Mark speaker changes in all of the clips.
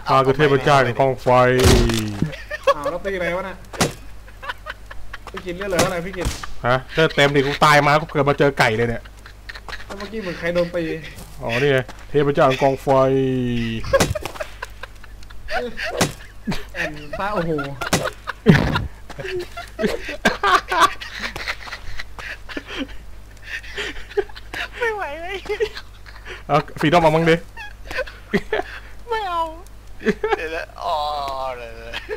Speaker 1: ข้าคือเทพเจ้าแห่งกองไฟ
Speaker 2: แล้วตีอะไรวะน่ะพี่กินเลือดเหลืออะไรพี่กิน
Speaker 1: ฮะเลือดเต็มดิกูตายมากูเกิดมาเจอไก่เลยเนี่ย
Speaker 2: เมื่อกี้เหมือนใครโดนตี
Speaker 1: อ๋อนี่ไงเทพเจ้าแห่งกองไฟ
Speaker 2: แอนฟ้าโอ้โห
Speaker 3: ไม่ไหวเลย
Speaker 1: เอาฟีดอมมามั่งดิ
Speaker 3: ไม่เอาเดี๋ยวแล้วอ๋อเลย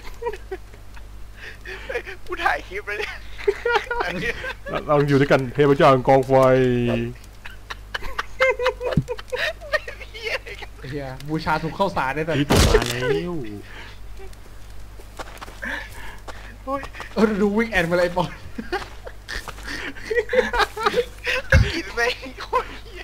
Speaker 3: กูถ่ายคลิปเลยเนี่ย
Speaker 1: เราอยู่ด้วยกันเทพเจ้าแห่งกองไฟ
Speaker 2: เฮียบูชาถูกเข้าสารได้แต่
Speaker 1: ที่ตัวมาแล้ว
Speaker 2: ดูวิ่งแอนมาเลยปอน
Speaker 3: กินไม่คนเฮีย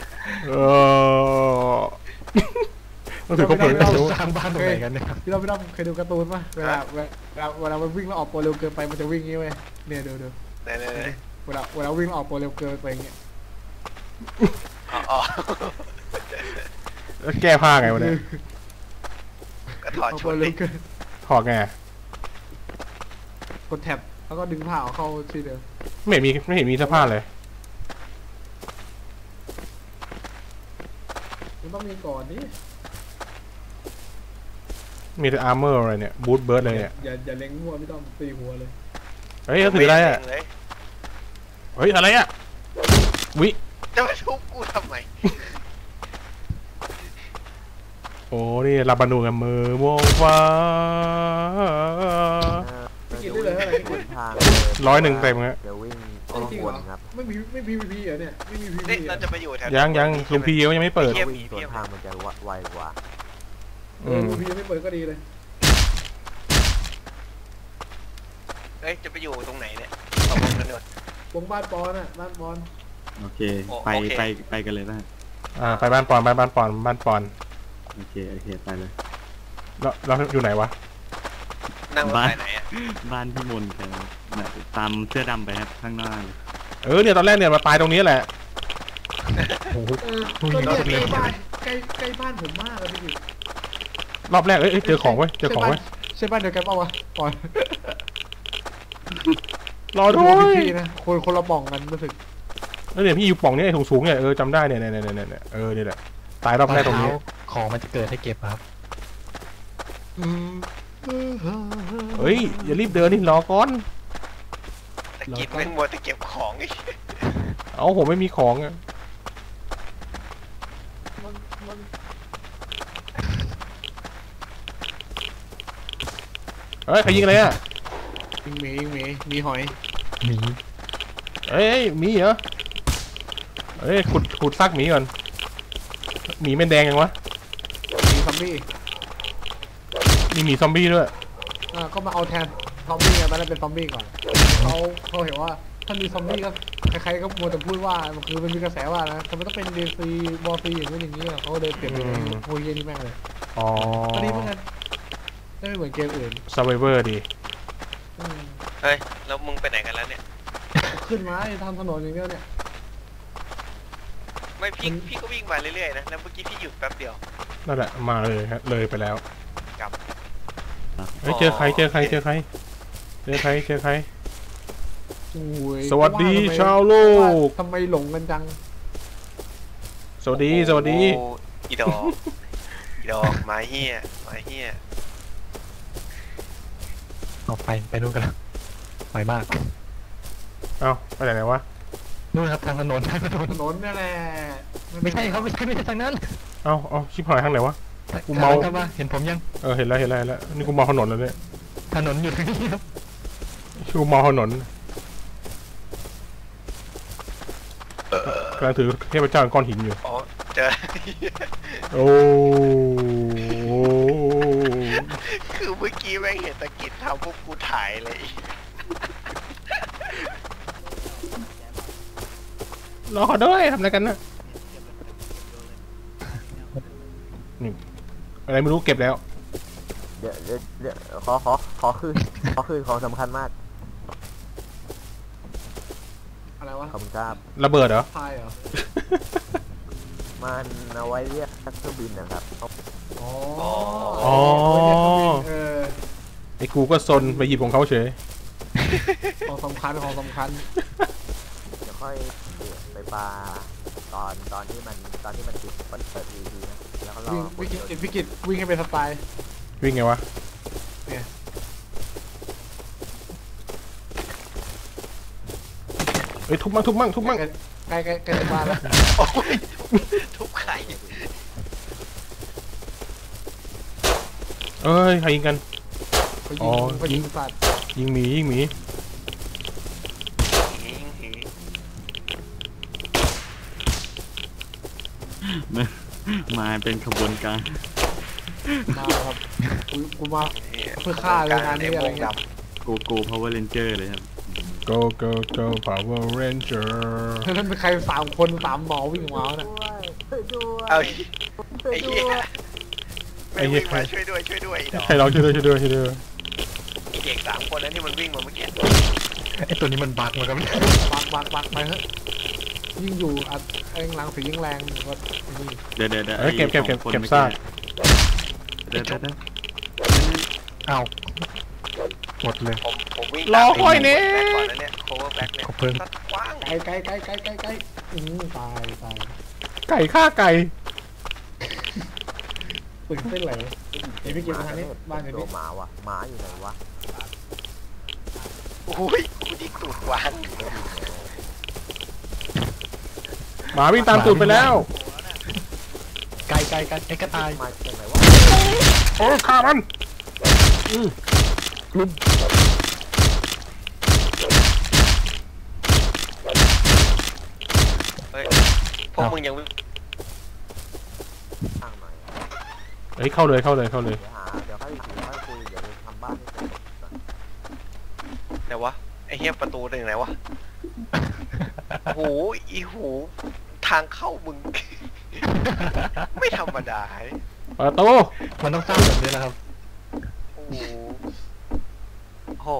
Speaker 1: ต้องถือข้าวเปลือก
Speaker 2: เราสร้างบ้านตรงไหนกันเนี่ยพี่เราเคยดูการ์ตูนป่ะเวลามันวิ่งแล้วออกโปรเร็วเกินไปมันจะวิ่งงี้เว้ยเนี่ยดูเวลาวิ่งออกโปรเร็วเกินไปอย่างเงี้ย
Speaker 1: แล้วแก้ผ้าไงวะเนี่ย
Speaker 3: ก็ถอดชุด
Speaker 1: ถอดไง
Speaker 2: กดแท็บแล้วก็ดึงผ้าเข้าที่เดิม
Speaker 1: ไม่เห็นมีเสื้อผ้าเลย
Speaker 2: มันต้องมีก่อนนี่
Speaker 1: มีแต่อาร์เมอร์อะไรเนี่ยบูทเบิร์ดเลยเนี่ย
Speaker 2: อย่าเล็งมั่วไม่ต้องตีหัวเลย
Speaker 1: เฮ้ยเขาถืออะไรอ่ะเฮ้ยอะไรอ่ะวิ
Speaker 3: จะมาทุบกูทำไม
Speaker 1: โอ้นี่ลาบานูกับมือวงฟ้า
Speaker 2: กินได้เลยอะไร
Speaker 1: 100เต็มครับ
Speaker 4: เดี๋ยววิ่งอ้อมวนครับ
Speaker 2: ไม่พีเหรอเนี่ยไม่มีพี
Speaker 3: เราจะไปอยู่แถว
Speaker 1: ยังลุงพียังไม่เปิด
Speaker 4: วิ่งสวนทางมันจะไวกว่า
Speaker 2: ลุงพีไม่เปิดก็ดีเลย
Speaker 3: จะไปอยู่ตรงไหนเนี่ย
Speaker 2: วงบ้านปอนอ่ะบ้านปอน
Speaker 5: โอเคไปกันเลยนะ
Speaker 1: ไปบ้านปอนบ้านปอน
Speaker 5: โอเคไปเลย
Speaker 1: เราอยู่ไหนวะ
Speaker 3: นั่งบ้านไหนอ่ะ
Speaker 5: บ้านพี่มนแกตามเสื้อดำไปครับข้างหน้า
Speaker 1: เนี่ยตอนแรกเนี่ยมาตายตรงนี้แหละ
Speaker 2: ใกล้บ้านผมมากเลยพี่
Speaker 1: รอบแรกเจอของไว้ใ
Speaker 2: ช่บ้านเดียวกันป่าวะปอน
Speaker 1: รอด้วย
Speaker 2: พี่นะคนละป่องกันรู้สึก
Speaker 1: แล้วเนี่ยพี่อยู่ป่องนี้ไอ้สูงเนี่ยจำได้เนี่ยนี่แหละตายรอบแรกตรงนี้
Speaker 6: ของมันจะเกิดให้เก็บครับ
Speaker 1: เฮ้ยอย่ารีบเดินนี่รอก่อน
Speaker 3: ตะกิดแม่งมัวแต่เก็บของอีก
Speaker 1: เอาผมไม่มีของอ่ะเฮ้ยใครยิงอะไรอ่ะ
Speaker 2: ยิงมีหอย
Speaker 6: หมี
Speaker 1: มีเหรอขุดซากหมีก่อนหมีเป็นแดงยังวะ
Speaker 2: มีซอมบี้
Speaker 1: มีหมีซอมบี้ด้วย
Speaker 2: ก็มาเอาแทนซอมบี้ไงตอนแรกเป็นซอมบี้ก่อนเขาเห็นว่าถ้ามีซอมบี้ก็ใครๆก็มัวแต่พูดว่าคือมันมีกระแสว่านะทำไมต้องเป็นเดซีบอซีอย่างนี้เขาเลยเปลี่ยนเป็นโฮเยนี่แม่งเลยก็ดีเหมือนกันไม่เหมือนเกมอื่น
Speaker 1: Survivor ดี
Speaker 3: แล้วมึงไปไหนกันแล้วเนี่ย
Speaker 2: ขึ้นมาทำถนนอย่างเดียวเนี่ย
Speaker 3: ไม่พี่ก็วิ่งมาเรื่อยๆนะแล้วเมื่อกี้พี่หยุดแป๊บเดียว
Speaker 1: นั่นแหละมาเลยครับเลยไปแล้ว
Speaker 3: กับ
Speaker 1: เจอใครสวัสดีชาวโลก
Speaker 2: ทำไมหลงกันจัง
Speaker 1: สวัสดี
Speaker 3: อีดอกมาเฮีย
Speaker 6: ออกไปนู่นกันแล้วไปมาก
Speaker 1: ไปไหนวะ
Speaker 6: นู่นครับทางถนน
Speaker 2: นั่นแหละ
Speaker 6: ไม่ใช่ครับไม่ใช่ทางนั้น
Speaker 1: ชิบหายทางไหนวะ
Speaker 6: กูเมาครับว่าเห็นผมยัง
Speaker 1: เห็นแล้วนี่กูเมาถนนแล้วเนี่ย
Speaker 6: ถนนอยู่ทางนี้ครับ
Speaker 1: กูเมาถนนกำลังถือเทพเจ้าก้อนหินอยู่
Speaker 3: เจอคือเมื่อกี้แม่งเห็นตะกิดทำพวกกูถ่ายเลย
Speaker 1: รอด้วยทำอะไรกันนะนี่อะไรไม่รู้เก็บแล้ว
Speaker 4: เดี๋ยวขอคืนของสำคัญมาก
Speaker 2: อะไรวะ
Speaker 4: ขอบคุณครับ
Speaker 1: ระเบิดเหรอ
Speaker 2: ไฟเหรอ
Speaker 4: มันเอาไว้เรียกเครื่องบินนะครับ
Speaker 2: อ๋อ
Speaker 1: อ๋อ
Speaker 2: เออ
Speaker 1: ไอ้กูก็ซนไปหยิบของเขาเฉย
Speaker 2: ของสำคัญของสำคัญ
Speaker 4: เดี๋ยวค่อยไปปลาตอนที่มันติดเปิดทีนะแล้วก็รอ
Speaker 2: วิ่งวิกฤตวิ่งให้เป็นสไตล์
Speaker 1: วิ่งไงวะ
Speaker 2: เนี่ย
Speaker 1: เอ้ยทุบมั่งทุบมั่งทุบมั่ง
Speaker 2: ใกล้จะมาแล้ว
Speaker 3: โอ้ยทุบไข่
Speaker 1: เอ้ยใครยิงกัน
Speaker 2: ไป
Speaker 1: อ๋
Speaker 2: ยิ
Speaker 1: อ
Speaker 2: งไปยิงสัตว์
Speaker 1: ยิงหมียิงหมี
Speaker 5: มาเป็นขบวนการ
Speaker 2: มาครับกูมาเพื่อฆ่าเลยงานนี้อะไรเงี้ย
Speaker 5: โกพาวเวอร์เรนเจอร์เลยครับ
Speaker 1: go go go Power Ranger
Speaker 2: นั่นเป็นใคร3 คน3 หมอวิ่งมาเนี่ย
Speaker 4: ด้วย
Speaker 3: เอา
Speaker 4: ช่วย
Speaker 3: ไอ้
Speaker 4: ด้
Speaker 3: เหี้
Speaker 4: วย ย
Speaker 3: ไม่วิ่งมาช่วยด้วยดอก
Speaker 1: ใครร้องช่วยด้วยช่วยด้วยช่วยด้วย
Speaker 3: ไอ้เด็ก3 คนนั้นที่มันวิ่งมาเมื่อกี้
Speaker 6: ไอตัวนี้มันบักเหมือนกัน
Speaker 2: บักไปเฮ้ยยิ่งอยู่อัดเองหลังสียิ่งแรงก็นี่
Speaker 5: เดี๋ยว
Speaker 1: เอ้ยเก็บ
Speaker 5: ไอ้สองคน
Speaker 1: เก็บ
Speaker 5: มื่อ
Speaker 1: ซาก
Speaker 5: เดี๋ยว
Speaker 6: อ้าวหมดเลย
Speaker 3: ผมวิ่ง
Speaker 1: รอคอยเนี่ย
Speaker 3: แบ็คก่อนนะเนี่ย cover back เนี่ย
Speaker 6: ขอบคุณ
Speaker 3: ตัดกว้าง
Speaker 2: ไกลตาย
Speaker 1: ไก่ฆ่าไก่
Speaker 2: ตื่นเต้นเลยไอ้พี่เก็บมาทางนี้บ้านอยู่
Speaker 4: ตัว
Speaker 2: นี่
Speaker 4: หมาว่ะหมาอยู่ไหนวะ
Speaker 3: โอ้ยกูยิงตูดกว้าง
Speaker 1: หมาวิ่งตามตูดไปแล้ว
Speaker 6: ไก่ไอ้กระต่าย
Speaker 4: มาจากไหนวะ
Speaker 1: โอ้ฆ่ามัน
Speaker 3: เฮ้ยพวกมึงยังวิ่ง
Speaker 4: ข้างหน่อย
Speaker 1: เฮ้ยเข้าเลย
Speaker 4: เดี๋ยวค่อยคุยเดี๋ยวทำบ้านให้เสร็จก่อน
Speaker 3: ไหนวะไอ้เหี้ยประตูถึงไหนวะโอ้โหอีหูทางเข้ามึง ไม่ธรรมดา
Speaker 1: เปิดตู้
Speaker 6: มันต้องสร้างแบบนี้นะครับ
Speaker 3: โอ้โหโห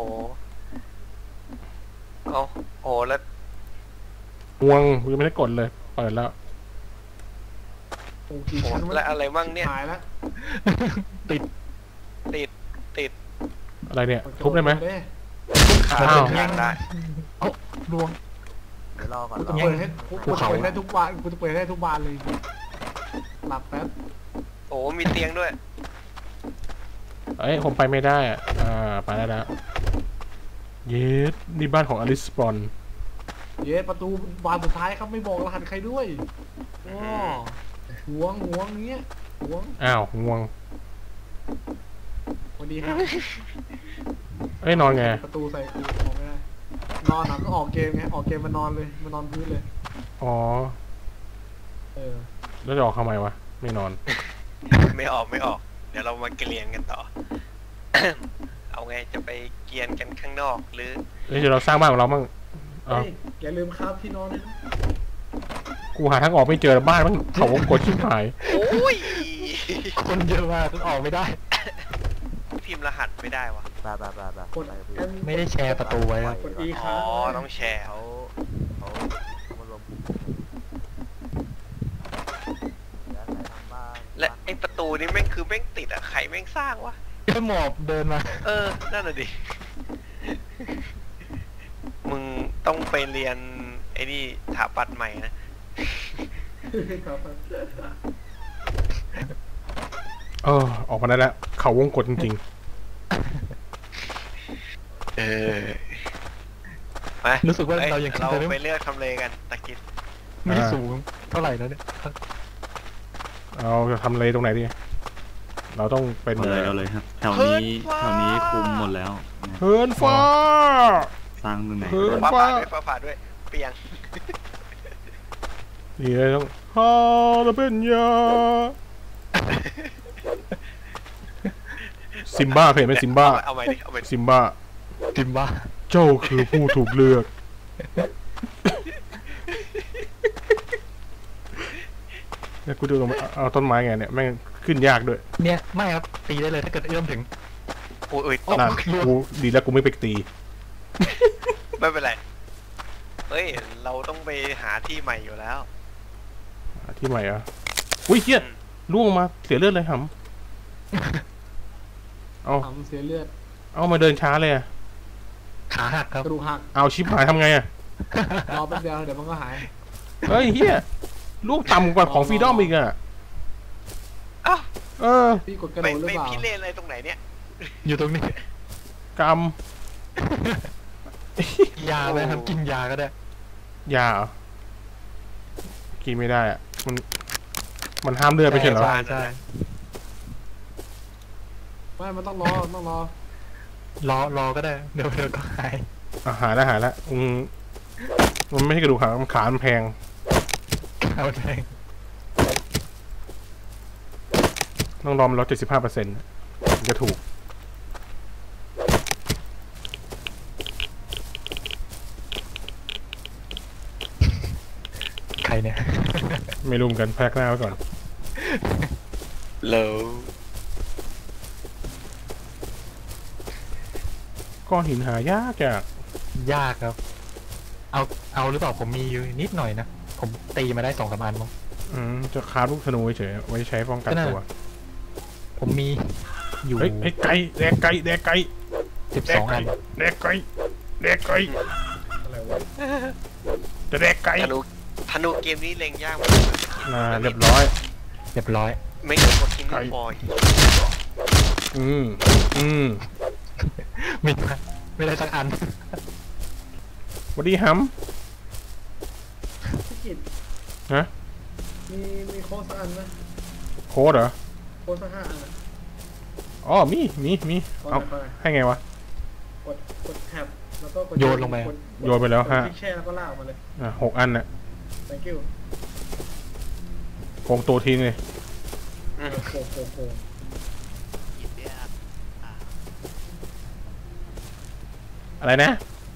Speaker 3: เอาโอ้แล้ว
Speaker 1: ห่วงกูยังไม่ได้กดเลย เปิดแล้ว
Speaker 2: โอ้กี่
Speaker 3: โอ้
Speaker 2: ชั้นวะ
Speaker 3: และอะไรมั่งเนี่ย
Speaker 2: หายแล้ว
Speaker 3: ติด
Speaker 1: อะไรเนี่ย ทุบได้ไหม
Speaker 3: ขา
Speaker 1: อ้าว
Speaker 3: ทางได้
Speaker 6: รวง
Speaker 4: เดี๋ยวรอก่อน
Speaker 2: กู
Speaker 4: ร
Speaker 2: จะ
Speaker 4: อ
Speaker 2: เปิดให้
Speaker 6: ภู
Speaker 2: กูจะ
Speaker 6: เขา
Speaker 2: เปิดได้ทุกบ้านกูจะเปิดได้ทุกบ้านเลยหลับแป๊บ
Speaker 3: โอ้มีเตียงด้วย
Speaker 1: เอ้ยผมไปไม่ได้อ่ะไปได้แล้วเยสนี่บ้านของอลิสปอน
Speaker 2: เย้ประตูบานสุดท้ายครับไม่บอกรหัสใครด้วยว้าหวงเงี้ยหวง
Speaker 1: อ้าวง่วง
Speaker 2: สวัสดีครับ
Speaker 1: เอ้ยนอนไง
Speaker 2: ประตูใส่กูออกไม่ได้นอนก็ออกเกมไงออกเกมมานอนเลยมานอนพื้นเลย
Speaker 1: อ๋อ
Speaker 2: เออ
Speaker 1: แล้วจะออกทำไมวะ ไม่นอน
Speaker 3: ไม่ออกเดี๋ยวเรามาเกลียนกันต่อ เอาไงจะไปเกลียนกันข้างนอกหรือ
Speaker 1: เฮ้ยเดี๋ยวเราสร้างบ้านของเรามั่งเอา
Speaker 2: เฮ้ยอย่าลืมครับที่นอนด้วยนะ
Speaker 1: กูหาทางออกไม่เจอบ้านมันเขาวงกดชิบหาย
Speaker 3: โอ้ย
Speaker 6: คนเยอะมากจนออกไม่ได้
Speaker 3: พิมพ์รหัสไม่ได้วะ
Speaker 4: ไป
Speaker 2: กด
Speaker 6: ไม่ได้แชร์ประตูไว้ครับ
Speaker 2: กด E ค
Speaker 3: อ๋
Speaker 2: รั
Speaker 3: อบ ต้องแชร์
Speaker 4: เขามารวมกลุ่มเดี๋ยวใส่ทำบ้าน
Speaker 3: และไอประตูนี่แม่งคือแม่งติดอะใครแม่งสร้างวะ
Speaker 6: แค่หมอบเดินมา
Speaker 3: นั่นน่ะดิ มึงต้องไปเรียนไอ้นี่ถาปัดใหม่นะ
Speaker 2: ครับ
Speaker 1: ออกมาได้แล้วเขาวงกดจริง
Speaker 3: ไป
Speaker 6: รู้สึกว่าเรายังขึ้น
Speaker 3: เรา
Speaker 6: ไป
Speaker 3: ไป
Speaker 6: ไม่
Speaker 3: เลือกทำเลกันตะกิด
Speaker 6: ไม่ได้สูงเท่าไหร่นะเนี่ย
Speaker 1: ๆเราจะทำเลตรงไหนดี เราต้องเป็น
Speaker 5: เอาเลยครับแถวนี้คุมหมดแล้วนะ
Speaker 1: เฮิร์นฟ้า
Speaker 5: สร้างตรงไหน
Speaker 1: เฮ้ย
Speaker 3: ฟ้าผ่าด้วยเปียง
Speaker 1: นี่เลยต้องฮาลาเปนยาซิมบ้าเคยเห็นไหมซิมบ้า
Speaker 3: เอาใหม่ดิเอาใหม่ดิ
Speaker 1: ซิมบ้า
Speaker 6: ติมบ้า
Speaker 1: เจ้าคือผู้ถูกเลือกเนี่ยกูดูลงมาเอาต้นไม้ไงเนี่ยแม่งขึ้นยากด้วย
Speaker 6: เนี่ยไม่ครับตีได้เลยถ้าเกิดเอื้อมถึง
Speaker 3: โอ้ยตก
Speaker 1: นั่นกูดีแล้วกูไม่ไปตี
Speaker 3: ไม่เป็นไร เฮ้ย เราต้องไปหาที่ใหม่อยู่แล้ว
Speaker 1: ที่ใหม่อ่ะอุ้ยเฮียล่วงมาเสียเลือดเลยหเอา
Speaker 2: ทำเสียเลือด
Speaker 1: เอามาเดินช้าเลยอะ
Speaker 6: ขาหักครับ
Speaker 2: กระดูกหัก
Speaker 1: เอาชิบหายทำไงอะ
Speaker 2: รอแป๊บเดียวเดี๋ยวมันก็หาย
Speaker 1: เฮ้ยเฮียลูกต่ำกว่าของฟรีดอมอีกอะ
Speaker 3: อ้าว
Speaker 1: เออ
Speaker 2: พี่กดกระ
Speaker 3: ไป
Speaker 2: โดดหรือ
Speaker 3: ไป
Speaker 2: เปล่า
Speaker 3: พี่เล่นอะไรตรงไหนเนี่ย
Speaker 6: อยู่ตรงนี้
Speaker 1: กรรม
Speaker 6: ยาไหมครับกินยาก็ได้
Speaker 1: ยาเหรอกินไม่ได้อะมันห้ามเลือดไม่ใช่เหรอ
Speaker 6: ใช่
Speaker 2: ไม่มันต้องรอต้องรอ
Speaker 6: รอก็ได้เดี๋ยวก็หาย
Speaker 1: หายแล้วมันไม่ใช่กระดูกหักมันขามันแพง
Speaker 6: เอาแดง
Speaker 1: ต้องรอมลด75%จะถูก
Speaker 6: ใครเนี่ย
Speaker 1: ไม่รู้เหมือนกันแพ็กหน้าไว้ก่อน
Speaker 3: โล
Speaker 1: ก้อนหินหายากจาก
Speaker 6: ยากครับ เอาหรือเปล่าผมมีอยู่นิดหน่อยนะ ผมตีมาได้2-3 อันมั้ง
Speaker 1: จะคาบลูกธนูเฉยๆไว้ใช้ป้องกันตัว
Speaker 6: ผมมีอยู่
Speaker 1: เฮ้ยไก่แดกไก่แดกไก่
Speaker 6: 12 อัน
Speaker 1: แดกไก่แดกไก่
Speaker 2: อะไรวะ
Speaker 1: จะแดกไก่
Speaker 3: ธนูเกมนี้เล็งยากมาก
Speaker 1: เรียบร้อย
Speaker 6: เรียบร้อย
Speaker 3: ไม่เกินกว่าคิง
Speaker 1: ไก่
Speaker 3: บอย
Speaker 1: อืม
Speaker 6: ไม่ได้สักอัน
Speaker 1: สวัสดีฮัม
Speaker 2: พี่กิต
Speaker 1: ฮะ
Speaker 2: มีโค้ดสักอันไหม
Speaker 1: โค้ดเหรอ
Speaker 2: โค้ดสัก5 อันอะ
Speaker 1: อ๋อมีเอา
Speaker 2: ไป
Speaker 1: ให้ไงวะ
Speaker 2: กดแท็บแล้วก็กด
Speaker 6: โยนลงไป
Speaker 2: กด
Speaker 1: โยนไปแล้ว
Speaker 2: กด
Speaker 1: ฮะ
Speaker 2: คลิกแช่แล้วก็ลากออกมาเลย
Speaker 1: 6 อันน่ะ
Speaker 2: thank you
Speaker 1: โกงตัวทิ้งเลย
Speaker 2: โอ้โห
Speaker 1: อะไรนะ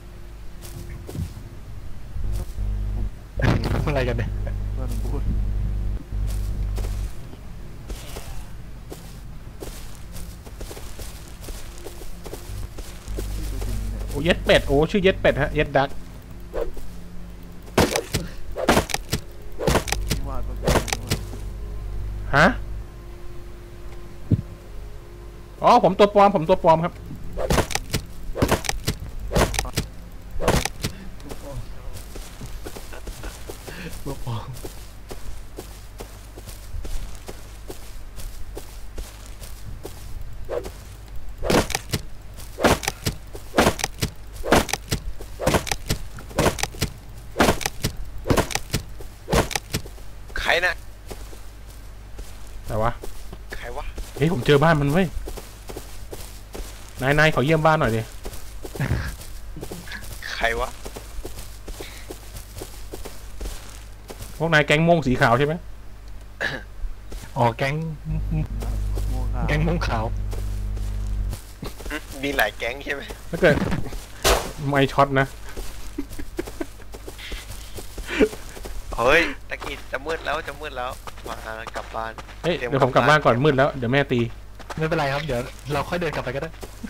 Speaker 6: อะไรกันเนี่ย
Speaker 1: โอ้เย็ดเป็ด โอ้ชื่อเย็ดเป็ดฮะ เย็ดดักฮะ อ๋อผมตัวปลอมครับ
Speaker 6: ลูกปอง
Speaker 3: ใครนะ
Speaker 1: แต่วะ
Speaker 3: ใครวะ
Speaker 1: เฮ้ยผมเจอบ้านมันเว้ย นายขอเยี่ยมบ้านหน่อยดิ
Speaker 3: ใครวะ
Speaker 1: พวกนายแก๊งม่วงสีขาวใช่ไหม
Speaker 6: อ๋อแก๊งม่วงขาว
Speaker 3: มีหลายแก๊งใช่ไหม
Speaker 1: ถ้าเกิด ไม่ช็อตนะ
Speaker 3: เฮ้ยตะกี้จะมืดแล้วมากลับบ้าน
Speaker 1: เฮ้ยเดี๋ยวผมกลับบ้านก่อนมืดแล้ว เดี๋ยวแม่ตี
Speaker 6: ไม่เป็นไรครับ เดี๋ยวเราค่อยเดินกลับไปก็ได้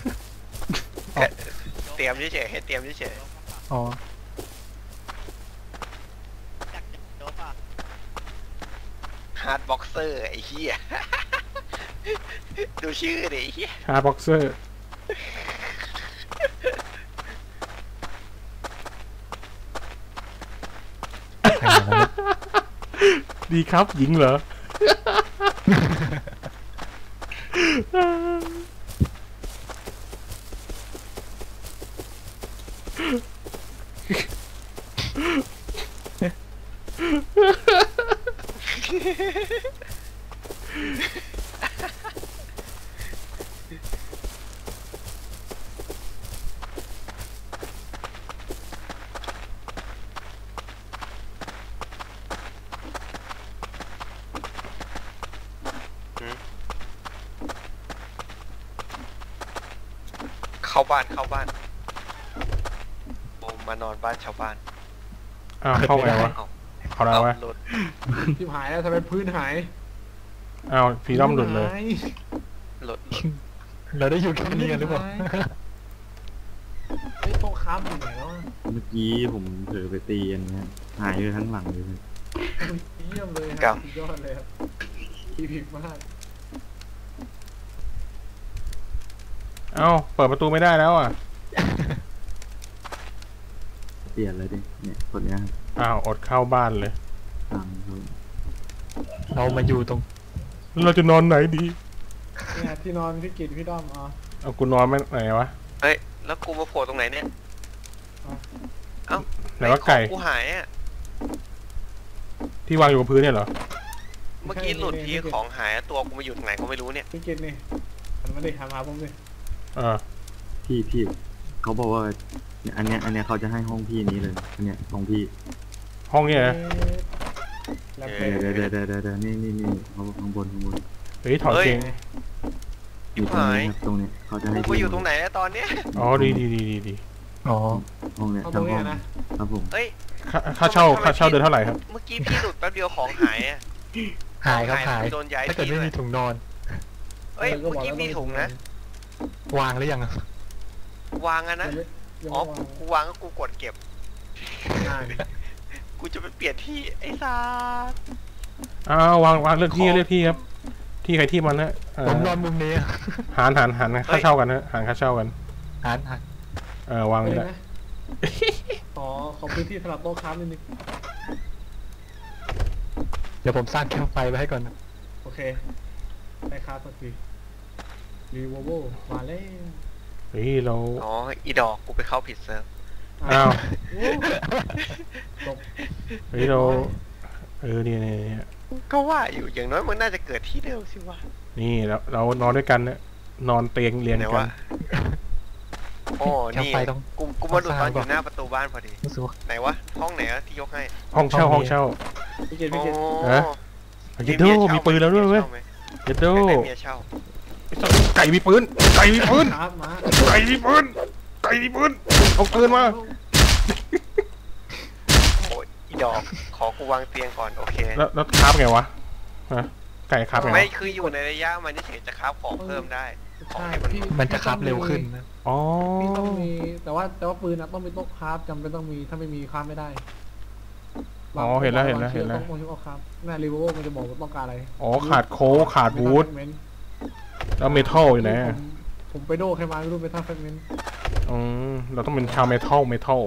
Speaker 3: เตรียมเฉยๆให้เตรียมเฉย
Speaker 6: อ๋อ
Speaker 3: ฮาร์ดบ็อกเซอร์ไอ้เหี้ย ดูชื่อดิไอ้เหี้ย
Speaker 1: ชาบ็อกเซอร์ ดีครับ หญิงเหรอ
Speaker 3: เข้าบ้านผมมานอนบ้านชาวบ้าน
Speaker 1: อ้าวเข้าไงวะ
Speaker 3: เอา
Speaker 1: เอาแล้ววะ
Speaker 3: หลุด
Speaker 2: ที่หายแล้วทำไมพื้นหาย
Speaker 1: อ้าวฟรีดอมหลุดเลย
Speaker 2: หาย
Speaker 3: หลุด
Speaker 6: เราได้อยู่แค่นี้กันหรือเปล่า
Speaker 2: ไอ้โต๊ะค้ำอยู่ไหนแล้วอะ
Speaker 5: เมื่อกี้ผมเผลอไปตีอันเนี้ยหายไปทั้งหลังเลย
Speaker 2: เยี่ยมเลยครับสุดยอดเลยครับทีพิกมาก
Speaker 1: เอ้าเปิดประตูไม่ได้แล้วอ่ะ
Speaker 5: เปลี่ยนเลยดิเนี่ยคนเนี้ยครับ
Speaker 1: อ้าวอดเข้าบ้านเลย
Speaker 5: ตามเขา
Speaker 6: เรามาอยู่ตรง
Speaker 1: เราจะนอนไหนดี
Speaker 2: เนี่ยที่นอนพี่กิตพี่ด้อมอ๋อ
Speaker 1: เอากูนอนไม่ไหนวะ
Speaker 3: เฮ้ยแล้วกูมาโผล่ตรงไหนเนี่ยเอ้า
Speaker 1: ไหนว่าไก่
Speaker 3: ของกูหายอ่ะ
Speaker 1: ที่วางอยู่บนพื้นเนี่ยเหรอ
Speaker 3: เมื่อกี้หลุดทีของหายตัวกูมาอยู่ตรงไหนก็ไม่รู้เนี่ย
Speaker 2: พี่กิตนี่หันมาดิหันมาหาผมดิ
Speaker 5: พี่เขาบอกว่าเนี่ยอันเนี้ยเขาจะให้ห้องพี่นี้เลยอันเนี้ยห้องพี่
Speaker 1: ห้องเนี่ยนะ
Speaker 2: แล้ว
Speaker 3: เอ
Speaker 2: เป็
Speaker 3: อ
Speaker 2: น
Speaker 5: เดี๋ยวนี่เขาข้างบน
Speaker 1: เฮ้ยถอดเกง
Speaker 5: อยู่ตรงนี้ครับตรงเนี้ยเขาจะให้
Speaker 3: กูไปอยู่ตรงไหนแล้วตอนเนี้ย
Speaker 1: อ๋อดี
Speaker 6: อ๋อ
Speaker 5: ห้องเนี้ย
Speaker 2: เอาตร
Speaker 5: ทั้
Speaker 2: ง
Speaker 5: ง
Speaker 2: นี้
Speaker 5: ห้อง
Speaker 2: นะครับ
Speaker 5: ผม
Speaker 3: เฮ้ย
Speaker 1: ค่าเช่าเดือนเท่าไหร่ครับ
Speaker 3: เมื่อกี้พี่หลุดแป๊บเดียวของหายอ่ะ
Speaker 6: หายครับหาย
Speaker 3: โดนย้าย
Speaker 6: ถ้าเกิด
Speaker 3: ที่
Speaker 6: ไม่
Speaker 3: เล
Speaker 6: มี
Speaker 3: ย
Speaker 6: ถุงนอน
Speaker 3: เฮ้ยเมื่อกี้มีถุงนะ
Speaker 6: วางหรือยังอะ
Speaker 3: วางอะนะ
Speaker 2: ยัง
Speaker 3: อ๋อ
Speaker 2: ไม่วาง
Speaker 3: กูวางก็กูกดเก็บ
Speaker 2: อ่า
Speaker 3: กูจะไปเปลี่ยนที่ไอ้สัส
Speaker 1: อ้าววางเลือกที่ครับ ที่ใครที่มันนะ
Speaker 6: ผมนอนมุมนี้อะ
Speaker 1: หารค่าเช่ากันนะหารค่าเช่ากัน
Speaker 6: หัน
Speaker 1: วาง
Speaker 2: ไป
Speaker 1: นี่
Speaker 2: เล
Speaker 1: แห
Speaker 2: ย
Speaker 1: ละ
Speaker 2: นะขอพื้นที่สำหรับโต๊ะค้านิดนึง
Speaker 6: เดี๋ยวผมสร้างแคมป์ไฟไว้ให้ก่อนนะ
Speaker 2: โอเคได้ครับสักทีรีโวโวมาแล้ว
Speaker 1: เฮ้ยเรา
Speaker 3: อ๋ออีดอกกูไปเข้าผิดเซิร์ฟ
Speaker 1: อ้าว
Speaker 2: โอ้จบ
Speaker 1: เฮ้ยเราเนี่ย
Speaker 3: ก็ว่าอยู่อย่างน้อยมันน่าจะเกิดที่เดิมสิวะ
Speaker 1: นี่เรานอนด้วยกันเนี่ยนอนเตียงเรียง
Speaker 3: ไหน
Speaker 1: กั
Speaker 3: วะ
Speaker 1: น
Speaker 3: โอ้
Speaker 6: แคม
Speaker 3: นี่
Speaker 6: ป์ไฟต้อง
Speaker 3: กูมาดูตอนอยู่หน้าประตูบ้านพอดี
Speaker 6: รู้สึกว่า
Speaker 3: ไหนวะห้องไหนอะที่ยกให้
Speaker 1: ห้องเช่า
Speaker 2: พี่กิตพี่กิต
Speaker 3: โอ้
Speaker 1: ฮะ เยดโดมีปืนแล้วด้วยเว้ยเยดโด
Speaker 3: ได้เมียเช่า
Speaker 1: ไก่มีปืน
Speaker 2: ครับมา
Speaker 1: ไก่มีปืนเอาปืนมา
Speaker 3: โอ้ยอีดอกขอกูวางเตียงก่อนโอเค
Speaker 1: แล้วคราบไงวะฮะไก่คราบไง
Speaker 3: ไม่
Speaker 1: วะ
Speaker 3: คืออยู่ในระยะมันเฉยๆจะคราฟของเพิ่มได้
Speaker 2: ใช่
Speaker 6: มันจะคับเร็วขึ้นนะ
Speaker 1: อ๋อ
Speaker 2: พี่ต้องมีแต่ว่าปืนนะต้องมีโต๊ะคราฟจำเป็นต้องมีถ้าไม่มีคราฟไม่ได้
Speaker 1: อ๋อเห็นแล้ว
Speaker 2: ต้องชื่อเอาคราฟหน้ารีโวมันจะบอกว่าต้องการอะไร
Speaker 1: อ๋อขาดโค้กขาดวูดแล้วเมทัลอยู่ไหนอะ
Speaker 2: ผมไปโดแค่มาไม่รู้เมทัลแฟกเมนต์
Speaker 1: เราต้องเป็นชาวเมทัล
Speaker 3: ไม่เท่า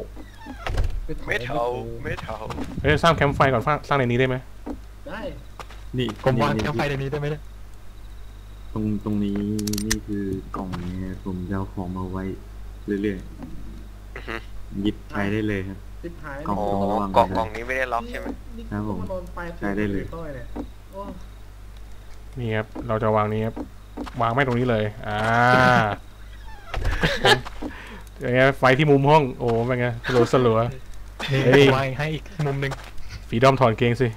Speaker 3: ไม่เท่า
Speaker 1: เฮ้ยสร้างแคมป์ไฟก่อนสร้างในนี้ได้ไหม
Speaker 2: ได้
Speaker 5: นี่
Speaker 6: ผมวาง
Speaker 5: นี่
Speaker 6: แคมป์ไฟในนี้ได้ไหมเนี่ย
Speaker 5: ตรงนี้นี่คือกล่องนี้ผมจะเอาของมาไว้เรื่อยๆหยิบใช้ได้เลยครับ
Speaker 2: ติดหาย
Speaker 5: กล่อง
Speaker 3: อ๋อกล่องนี้ไม่ได้ล็อกใช่ไหม
Speaker 5: ครับผม
Speaker 2: โดนไฟ
Speaker 5: ใช้ได้เลย
Speaker 2: เนี่ยโอ้
Speaker 1: นี่ครับเราจะวางนี้ครับวางไม่ตรงนี้เลยอย่างเงี้ยไฟที่มุมห้องโอ้เป็นไงสลัว
Speaker 6: นี่
Speaker 1: เฮ้ย
Speaker 6: วางให้อีกมุมหนึ่ง
Speaker 1: ฝีดอมถอนเกงสิ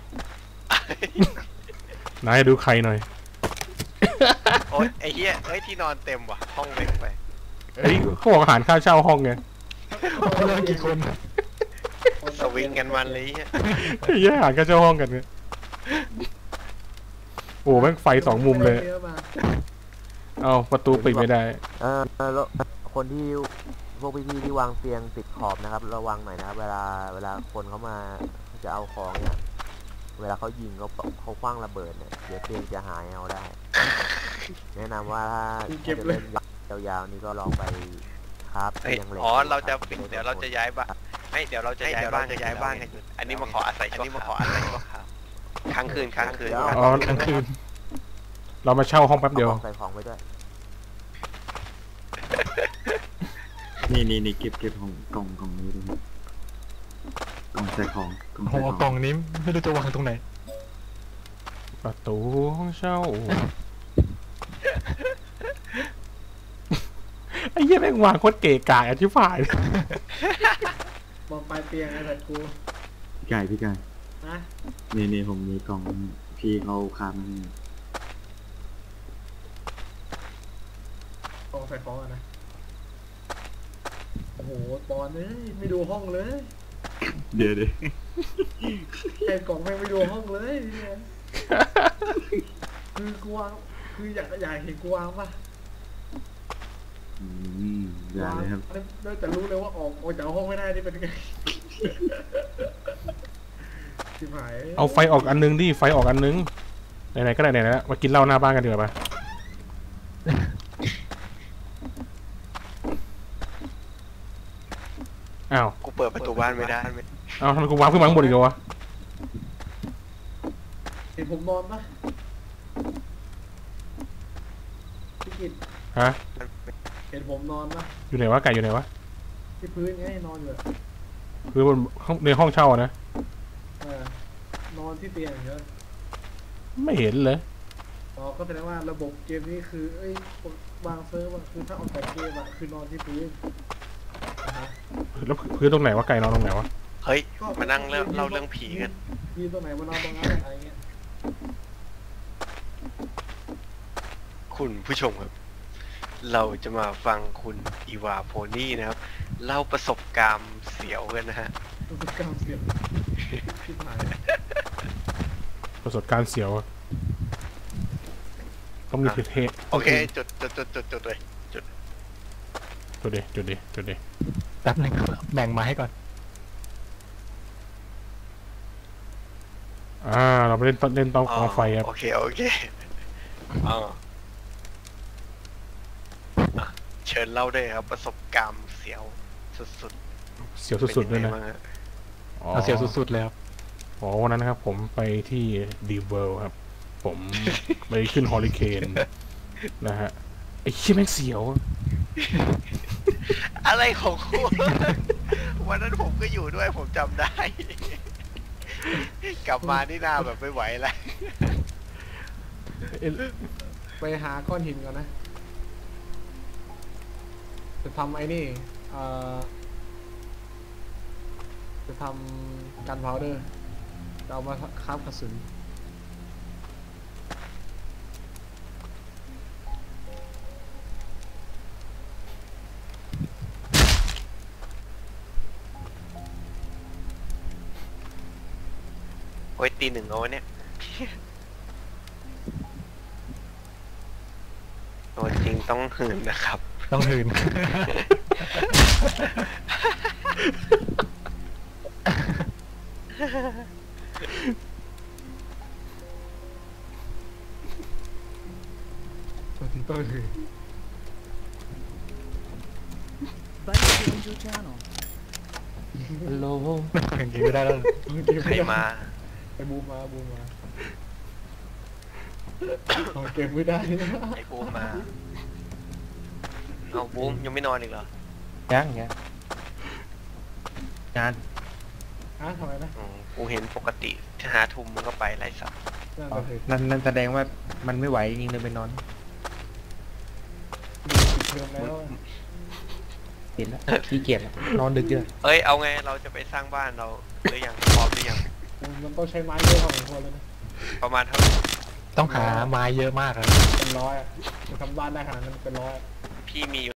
Speaker 1: นายดูใครหน่อย
Speaker 3: โอ้ยไอ้เหี้ยเอ้ยที่นอนเต็มว่ะห้องเล็กไป
Speaker 1: เฮ้ยเขาบอกอาหารค่าเช่าห้องไง
Speaker 6: เรื่องกี่คน
Speaker 3: สวิงกันมันเลยเหี้ย
Speaker 1: เฮ้ยอาหารค่าเช่าห้องกันไงโอ้แม่งไฟสองมุมเลย เอาประตูปิดไม่ได้
Speaker 4: แล้วคนที่พวกพี่ๆที่วางเตียงติดขอบนะครับระวังหน่อยนะครับเวลาคนเขามาจะเอาของเนี่ย เวลาเขายิงเขาคว้างระเบิดเนี่ยเดี๋ยวเตียงจะหายเอาได้ แนะนำว่าถ้าจะเล่นยาวๆนี่ก็ลองไปครับ
Speaker 3: เฮ้ย
Speaker 4: เตียงเหล็ก
Speaker 3: อ๋อเราจะปิดเดี๋ยวเราจะย้ายบ้านให้เดี๋ยวเราจะย้ายบ้านกันอันนี้มาขออาศัยชั่วคราวค้างคืน
Speaker 1: อ๋อ
Speaker 6: กลางคืน
Speaker 1: เรามาเช่าห้องแป๊บเดียว
Speaker 4: ใส่ของไปด้วย
Speaker 5: นี่เก็บของกล่องนี้ด้วยครับกล่องใส่ของกล่อง
Speaker 6: โอ้
Speaker 5: ใส่
Speaker 6: โห
Speaker 5: ของ
Speaker 6: กล่องนี้ไม่รู้จะวางตรงไหน
Speaker 1: ประตูห้องเช่า ไอ้เหี้ยแม่งวางโคตรเก๋กะอธิบาย
Speaker 2: บอกไปเตียงไอ้แต่กู
Speaker 5: พี่ไก่
Speaker 2: นะ
Speaker 5: นี่ผมมีกล่องพี่เขาคาบมาให้
Speaker 2: กองใส่ของอะนะโอ้โหปอนเอ้ยไม่ดูห้องเลย
Speaker 5: เดี๋ยว
Speaker 2: ไอ้กล่องไม่ดูห้องเลยเนี่ยคือกูวางคืออยากเห็นกูวางป่ะ
Speaker 5: ได้เลยครับ
Speaker 2: วางแต่รู้เลยว่าออกจากห้องไม่ได้นี่เป็นไงชิบหาย
Speaker 1: เอาไฟออกอันนึงดิไฟออกอันนึงไหนๆก็ไหนๆแล้วมากินเหล้าหน้าบ้านกันดีกว่าปะอ้าว
Speaker 3: กูเปิดประตูบ้านไม่ได้
Speaker 1: อ้าวทำไมกูวางขึ้นมาข้างบนอีกแล้ววะ
Speaker 2: เห็นผมนอนปะพี่กิต
Speaker 1: ฮะ
Speaker 2: เห็นผมนอนปะ
Speaker 1: อยู่ไหนวะไก่อยู่ไหนวะ
Speaker 2: ที่พื้นไงนอนอยู่อะ
Speaker 1: คือบนในห้องเช่าอะนะ
Speaker 2: นอนที่เตียงเยอะ
Speaker 1: ไม่เห็นเลย
Speaker 2: อ๋อก็แสดงว่าระบบเกมนี้คือวางเซิร์ฟอะคือถ้าออกจากเกมอะคือนอนที่พื้นนะฮะ
Speaker 1: แล้วพื้นตรงไหนวะไก่นอนตรงไหนวะ
Speaker 3: เฮ้ยมานั่งเล่าเรื่องผีกัน
Speaker 2: ยืนตรงไหนมานอนตรงนั้นอะไรเงี้ย
Speaker 3: คุณผู้ชมครับ เราจะมาฟังคุณอีวาโพนี่นะครับเล่าประสบการณ์เสียวกันนะฮะ
Speaker 2: รู้สึกกล้ามเสียบที่ผ่าน
Speaker 1: ประสบการณ์เสียวอะต้องมีเทส
Speaker 3: โอเคจุดเลย
Speaker 1: จุดดิ
Speaker 6: แป๊บนึงแบ่งมาให้ก่อน
Speaker 1: เราไปเล่นต้องกองไฟครับ
Speaker 3: โอเคอ่าอ่ะเชิญเล่าได้ครับ ประสบการณ์เสียวสุด
Speaker 1: เสียว
Speaker 3: ๆ
Speaker 1: สุดๆด้วยนะ
Speaker 3: ป็งไงบ้างฮ
Speaker 6: เอาเสียวสุดๆเลยครับ
Speaker 1: อ๋อวันนั้นนะครับผมไปที่ดีเวิลด์ครับ ผมไปขึ้นฮอริเคนนะฮะไอ้เชี่ยแม่งเสียว
Speaker 3: อะไรของคุณ วันนั้นผมก็อยู่ด้วยผมจำได้ กลับมานี่หน้าแบบไม่ไหวแล้ว
Speaker 2: ไปหาก้อนหินก่อนนะ จะทำไอ้นี่จะทำกันพาวเดอร์จะเอามาคราฟกระสุน
Speaker 3: โอ้ยตีหนึ่งเอาวะเนี่ยตัวจริงต้องหืนนะครับ
Speaker 6: ต้องหืน
Speaker 2: ตัวคือ
Speaker 7: Buddy joined your channel.
Speaker 6: โลอย่างนี้ไม่ได้แล้ว
Speaker 3: ใครมา
Speaker 2: ไปบูมมาเอาเก็บไม่ได้
Speaker 3: ไอ้บูมมา เอาบูมยังไม่นอนอีกเหรอ
Speaker 8: ยังงาน
Speaker 2: ทำไมนะ
Speaker 3: กูเห็นปกติถ้า5 ทุ่มมันก็ไปไล่สับ
Speaker 2: นั่น
Speaker 8: อ๋อ
Speaker 2: ก็คือ
Speaker 8: นั่นแสดงว่ามันไม่ไหวจริงๆเลยไปนอน
Speaker 2: ปิดเทอมแล้ว
Speaker 8: เห็นแล้วขี้เกียจแล้วนอนดึกเยอะ
Speaker 3: เอ้ยเอาไงเราจะไปสร้างบ้านเราหรือยังพร้อมหรือยัง
Speaker 2: มันต้องใช้ไม้เยอะพอสมควรเลยนะ
Speaker 3: ประมาณเท่าไหร่
Speaker 6: ต้องหาไม้เยอะมากเลย
Speaker 2: เป็นร้อยอะจะทำบ้านได้ขนาดนั้นเป็นร้อย
Speaker 3: พี่มี